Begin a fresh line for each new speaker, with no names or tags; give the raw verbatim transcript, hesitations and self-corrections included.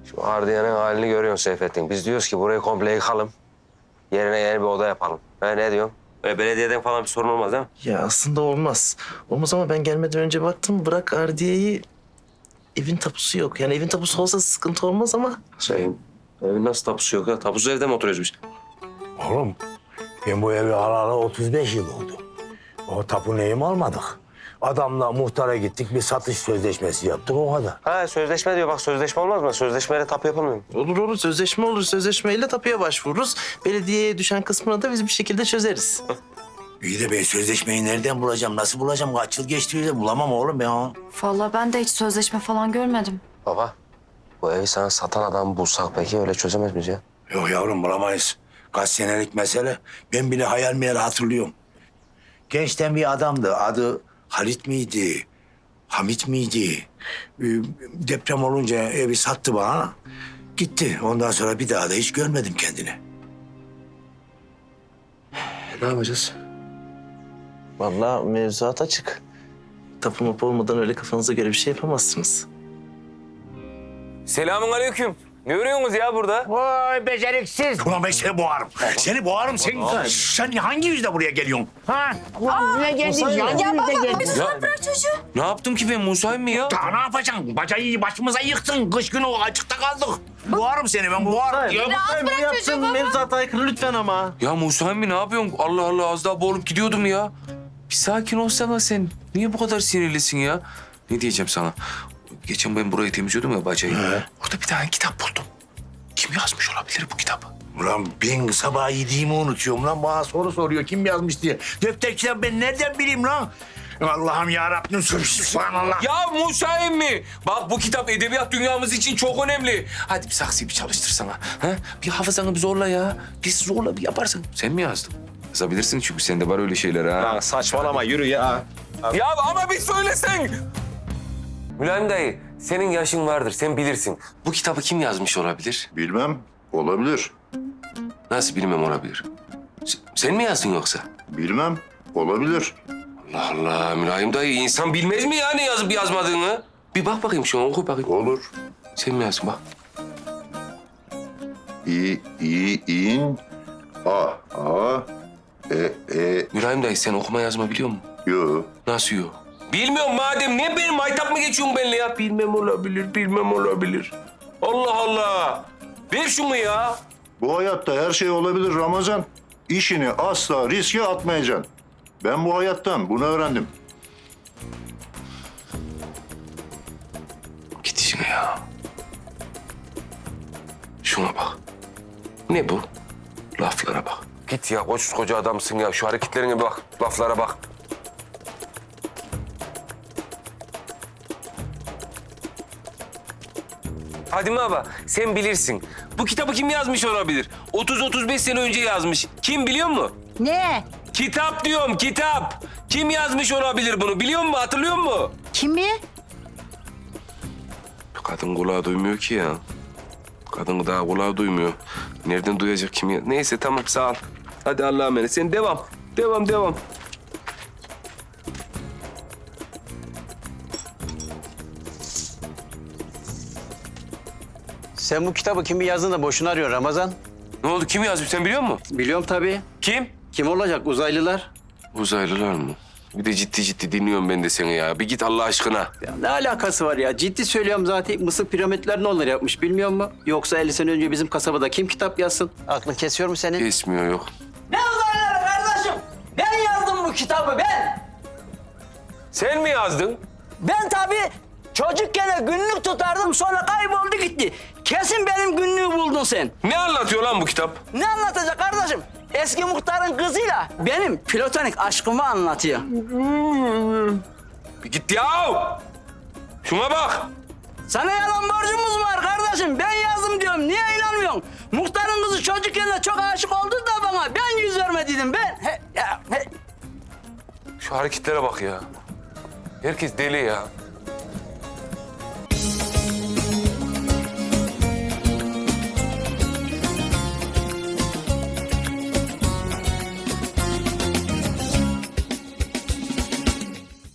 Şu ardiyanın halini görüyorsun Seyfettin. Biz diyoruz ki burayı komple yıkalım. Yerine yeni bir oda yapalım. Ha, ne diyorsun? Böyle belediyeden falan bir sorun olmaz değil mi?
Ya aslında olmaz. Olmaz ama ben gelmeden önce baktım. Bırak Ardiye'yi, evin tapusu yok. Yani evin tapusu olsa sıkıntı olmaz ama.
Şeyin, evin nasıl tapusu yok ya? Tapusu evde mi oturuyoruz biz?
Oğlum ben bu evi alalı otuz beş yıl oldu. O tapu neyim almadık. Adamla muhtara gittik, bir satış sözleşmesi yaptık, o kadar.
Ha sözleşme diyor. Bak sözleşme olmaz mı? Sözleşmeyle tapu yapılmıyor mu?
Olur olur, sözleşme olur. Sözleşmeyle tapuya başvururuz. Belediyeye düşen kısmını da biz bir şekilde çözeriz.
İyi de ben sözleşmeyi nereden bulacağım, nasıl bulacağım? Kaç yıl geçti öyle, bulamam oğlum ben onu.
Vallahi ben de hiç sözleşme falan görmedim.
Baba, bu evi sana satan adamı bulsak peki öyle çözemez miyiz ya?
Yok yavrum, bulamayız. Kaç senelik mesele. Ben bile hayal meyal hatırlıyorum. Gençten bir adamdı. Adı Halit miydi? Hamit miydi? Ee, Deprem olunca evi sattı bana. Gitti. Ondan sonra bir daha da hiç görmedim kendini.
Ne yapacağız?
Vallahi mevzuat açık. Tapu mapu olmadan öyle kafanıza göre bir şey yapamazsınız.
Selamun aleyküm. Ne örüyorsunuz ya burada?
Vay beceriksiz. Ulan ben seni boğarım. Seni boğarım. Sen, sen hangi yüzle buraya geliyorsun? Ha? Ulan ne geldin? Hangi yüzle geldin?
Lütfen bırak çocuğu.
Ne yaptım ki ben Musa'yım mı ya?
Daha ne yapacaksın? Bacayı başımıza yıktın. Kış günü açıkta kaldık. Boğarım seni ben, boğarım. Ya,
Rahat bırak çocuğu baba.
Mevzuata aykırı lütfen ama.
Ya Musa'yım mı ne yapıyorsun? Allah Allah az daha boğulup gidiyordum ya. Bir sakin olsana sen. Niye bu kadar sinirlisin ya? Ne diyeceğim sana? Geçen ben burayı temizliyordum ya bacayı. Orada bir tane kitap buldum. Kim yazmış olabilir bu kitabı?
Ulan ben sabah yediğimi unutuyorum lan. Bana soru soruyor kim yazmış diye. Defter kitap ben nereden bileyim lan? Allah'ım yarabbim, subhanallah.
Ya Musa'yım mı? Bak bu kitap edebiyat dünyamız için çok önemli. Hadi bir saksıyı bir çalıştırsana. Ha? Bir hafızanı bir zorla ya. Bir zorla bir yaparsın. Sen mi yazdın? Yazabilirsin çünkü sende var öyle şeyler ha.
Ya saçmalama yürü ya.
Ya ama bir söylesen. Mülayim dayı, senin yaşın vardır, sen bilirsin. Bu kitabı kim yazmış olabilir?
Bilmem. Olabilir.
Nasıl bilmem olabilir? S- sen mi yazdın yoksa?
Bilmem. Olabilir.
Allah Allah, Mülayim dayı, insan bilmez mi ya ne yazıp yazmadığını? Bir bak bakayım şu an, oku bakayım.
Olur.
Sen mi yazdın bak?
İ, i, in, a, a, e, e,
Mülayim dayı, sen okuma yazma biliyor musun?
yo.
Nasıl yok? Bilmiyorum madem, niye benim maytap mı geçiyorsun benimle ya? Bilmem olabilir, bilmem olabilir. Allah Allah! Ver şunu ya.
Bu hayatta her şey olabilir Ramazan. İşini asla riske atmayacaksın. Ben bu hayattan bunu öğrendim.
Git işine ya. Şuna bak. Ne bu? Laflara bak. Git ya, koca adamsın ya. Şu hareketlerine bak, laflara bak. Fadime abla, sen bilirsin. Bu kitabı kim yazmış olabilir? otuz otuz beş sene önce yazmış. Kim biliyor musun?
Ne?
Kitap diyorum, kitap. Kim yazmış olabilir bunu? Biliyor musun? Hatırlıyor musun?
Kimi?
Kadın kulağı duymuyor ki ya. Kadın daha kulağı duymuyor. Nereden duyacak kim ya? Neyse tamam sağ ol. Hadi Allah'a emanet. Sen devam. Devam devam.
Sen bu kitabı kimi yazdın da boşuna arıyorsun Ramazan?
Ne oldu? Kim yazmış? Sen biliyor musun?
Biliyorum tabii.
Kim?
Kim olacak? Uzaylılar.
Uzaylılar mı? Bir de ciddi ciddi dinliyorum ben de seni ya. Bir git Allah aşkına.
Ya ne alakası var ya? Ciddi söylüyorum zaten. Mısır piramitlerini onlar yapmış. Bilmiyor musun? Yoksa elli sene önce bizim kasabada kim kitap yazsın? Aklın kesiyor mu senin?
Kesmiyor yok.
Ne uzaylıları kardeşim? Ben yazdım bu kitabı ben.
Sen mi yazdın?
Ben tabii çocukken günlük tutardım sonra kayboldu gitti. Kesin benim günlüğü buldun sen.
Ne anlatıyor lan bu kitap?
Ne anlatacak kardeşim? Eski muhtarın kızıyla benim platonik aşkımı anlatıyor.
Bir git ya. Şuna bak.
Sana yalan borcumuz var kardeşim. Ben yazdım diyorum. Niye inanmıyorsun? Muhtarın kızı çocukken çok aşık oldu da bana. Ben yüz vermediydim ben. He, ya, he.
Şu hareketlere bak ya. Herkes deli ya.